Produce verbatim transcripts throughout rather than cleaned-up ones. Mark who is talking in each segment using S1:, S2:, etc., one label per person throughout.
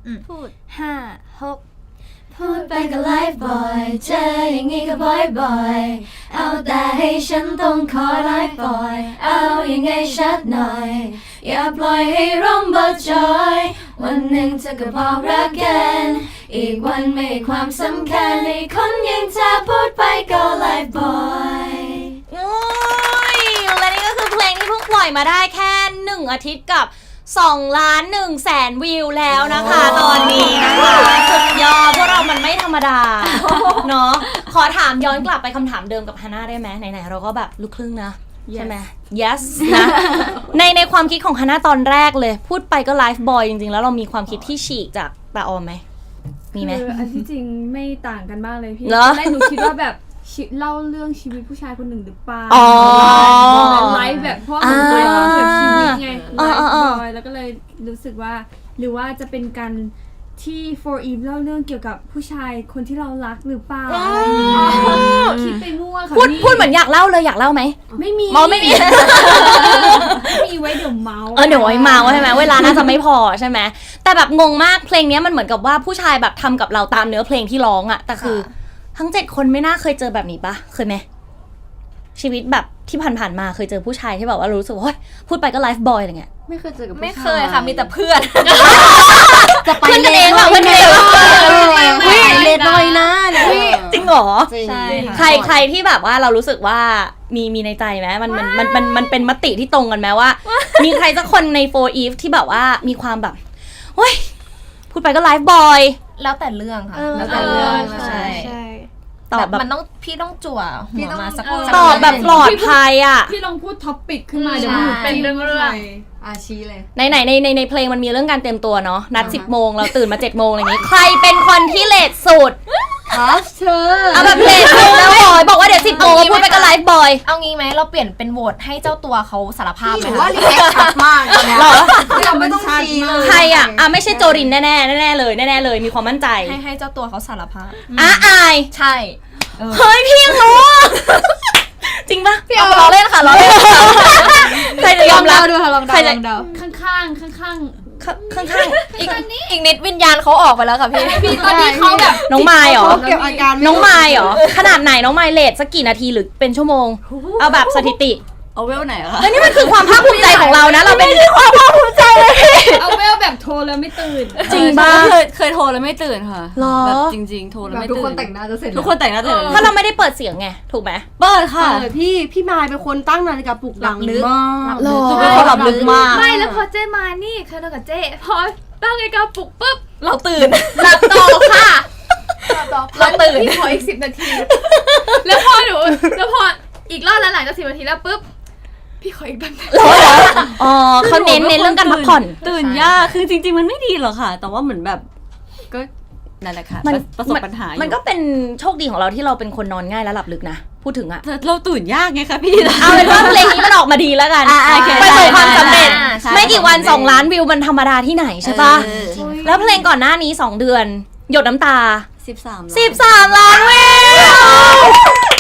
S1: พูด
S2: ห้าหก
S1: พูดไปก็ไลฟ์บ่อยเจออย่างงี้ก็บ่อยๆเอาแต่ให้ฉันต้องคอยไลฟ์บ่อยเอายังไงชัดหน่อยอย่าปล่อยให้ร่มเบิดจอยวันหนึ่งเธอก็บอกรักกันอีกวันไม่ให้ความสำคัญให้คนอย่างเธอพูดไปก็ไลฟ์บ่อย
S3: โอ้ยและนี่ก็คือเพลงที่เพิ่งปล่อยมาได้แค่หนึ่งอาทิตย์กับสองล้านหนึ่งแสนวิวแล้วนะคะตอนนี้นะคะสุดยอดพวกเรามันไม่ธรรมดาเนาะขอถามย้อนกลับไปคำถามเดิมกับฮาน่าได้ไหมไหนๆเราก็แบบลูกครึ่งนะใช่ไหม yes นะในในความคิดของฮาน่าตอนแรกเลยพูดไปก็ไลฟ์บอยจริงๆแล้วเรามีความคิดที่ฉีกจากตาออมไหมมีไหม
S4: คืออันที่จริงไม่ต่างกันมากเลยพี่
S3: เหรอ
S4: ตอนแรกหนูคิดว่าแบบเล่าเรื่องชีวิตผู้ชายคนหนึ่งหรือเปล่า
S3: อ๋อ
S4: ไลฟ์แบบเพราะว่ามันไลฟ์เกี่ยวกับชีวิตไงไลฟ์บอยแล้วก็เลยรู้สึกว่าหรือว่าจะเป็นการที่ โฟร์ Eve เล่าเรื่องเกี่ยวกับผู้ชายคนที่เรารักหรือเปล่าคิดไปมั่วค่ะ
S3: พูดพูดเหมือนอยากเล่าเลยอยากเล่าไหม
S4: ไม่มี
S3: มอไม่มี
S4: ไม่มีไว้เดี๋ยวเมาส์
S3: เออเดี๋ยวไว้เมาใช่ไหมเวลาน่าจะไม่พอใช่ไหมแต่แบบงงมากเพลงนี้มันเหมือนกับว่าผู้ชายแบบทำกับเราตามเนื้อเพลงที่ร้องอะแต่คือทั้งเจ็ดคนไม่น่าเคยเจอแบบนี้ปะเคยไหมชีวิตแบบที่ผ่านๆมาเคยเจอผู้ชายที่แบบว่ารู้สึกว่าพูดไปก็ไลฟ์บอยอะไรเงี้ย
S2: ไม่เคยเจอกับ
S1: ไม่เคยค่ะมีแต่เพื่อน
S2: จะไป
S3: เพื่อนกันเองว่ะเพื่อนกันเองว่ะ
S2: เล็ดน้อยนะเนี่ย
S3: จริงเหรอ
S2: ใช่
S3: ใครใครที่แบบว่าเรารู้สึกว่ามีมีในใจไหมมันมันมันมันมันเป็นมติที่ตรงกันไหมว่า มีใครสักคนใน โฟร์ Eve ที่แบบว่ามีความแบบเฮ้ยพูดไปก็ไลฟ์บอย
S1: แล้วแต่เรื่องค่ะ
S2: เออ
S1: แล้วแต่เรื่องใช่
S2: ใช่
S3: ตอบแบบ
S1: มันต้องพี่ต้องจั่วหัวมาสัก
S3: ตอบแบบปลอดภัยอ่ะ
S4: พี่ลองพูดท็อปปิกขึ้นมาเดี๋ยวมันเป็นเรื่องเรื่อง
S2: อาชีเลย
S3: ในไหนในในในเพลงมันมีเรื่องการเตรียมตัวเนาะนัดสิบโมงเราตื่นมาเจ็ดโมงอะไรอย่างงี้ ใครเป็นคนที่เลทสุด
S2: ครับเธอ
S3: เอาแบบเลทสุดแล้วบอยบอกว่าเดี๋ยวสิบโมงพูดไปก็ไลฟ์บอย
S1: เอางี้ไหมเราเปลี่ยนเป็นโหวตให้เจ้าตัวเขาสารภาพไหม
S2: ถือว่ารีแอคชัดมากนะ
S3: หรอ
S2: เราไม่ต้องชี้เลย
S3: ใครอ่ะอ่ะไม่ใช่โจรินแน่แน่แน่ๆเลยแน่ๆเลยมีความมั่นใจ
S1: ให้ให้เจ้าตัวเขาสารภาพ
S3: อ่ะอาย
S1: ใช่
S3: เฮ้ยพี่ยังรู้จริงปะ
S1: พี่เอาล้อเล่นค่ะล้อเล่น
S3: ใครจะยอมรับ
S2: ดูค่ะลองเดาลองเดา
S4: ข้างข้างข้างข้าง
S3: ข้างข้าง
S1: อีกอีกนิดวิญญาณเขาออกไปแล้วค่ะพี่
S4: พี่ตอนนี้เขาแบบ
S3: น้องไมล์เหรอ
S2: เก็บอาการ
S3: น้องไมล์เหรอขนาดไหนน้องไมล์เลทสักกี่นาทีหรือเป็นชั่วโมงเอาแบบสถิติ
S2: เอาเวลไหนอะคะ
S3: แล้วนี่มันคือความภาคภูมิใจของเรานะเราเป็นความภาคภูมิใจเลย
S4: เอาเวลแบบโทรแล้วไม่ตื่น
S3: จริงป่ะ
S2: เคยเคยโทรแล้วไม่ตื่นค่ะ
S3: หรอ
S2: แบบจริงๆโทรแล้วไม่ตื่น
S5: ทุกคนแต่งหน้าจะเสร็จ
S2: ทุกคนแต่งหน้าเสร็จ
S3: ถ้าเราไม่ได้เปิดเสียงไงถูกไหม
S2: เปิดค่ะ
S5: เออพี่พี่มายเป็นคนตั้งนาฬิกาปลุกดังมาก
S3: หรอ
S2: เป็นคนหลับลึกมาก
S4: ไม่แล้วพอเจ๊มานี่เคยนอนกับเจ๊พอตั้งนาฬิกาปลุกปุ๊บ
S1: เราตื่น
S4: หลับต่อค่ะ
S1: เราตื่น
S4: พี่ขออีกสิบนาที แล้วพอหนูแล้วพออีกรอบแล้วหลังจากสิบนาทีแล้วปุ๊บพี่ขออีกแป๊บนึง
S3: อ๋อเขาเน้นเน้นเรื่องการพักผ่อน
S2: ตื่นยากคือจริงๆมันไม่ดีหรอกค่ะ แต่ว่าเหมือนแบบก็นั่นแหละค่ะ
S3: มัน
S2: ประสบปัญหาอยู่
S3: มันก็เป็นโชคดีของเราที่เราเป็นคนนอนง่ายและหลับลึกนะพูดถึงอะ
S2: แต่เราตื่นยากไงคะพี่
S3: เอาเป็นว่าเพลงนี้มันออกมาดีแล้วกัน
S2: อ่ะโอเค
S3: ประสบความสำเร็จ
S2: อ่าใช่
S3: ไม่กี่วันสองล้านวิวมันธรรมดาที่ไหนใช่ปะ
S2: เออ
S3: แล้วเพลงก่อนหน้านี้สองเดือนหยดน้ำตา
S2: สิบสาม
S3: สิบสามล้านวิว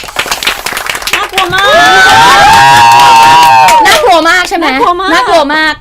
S2: น่ากลัวมาก
S3: น่ากลัวมากใช่ไหม
S2: น่ากลัวมาก
S3: น่ากลัวมาก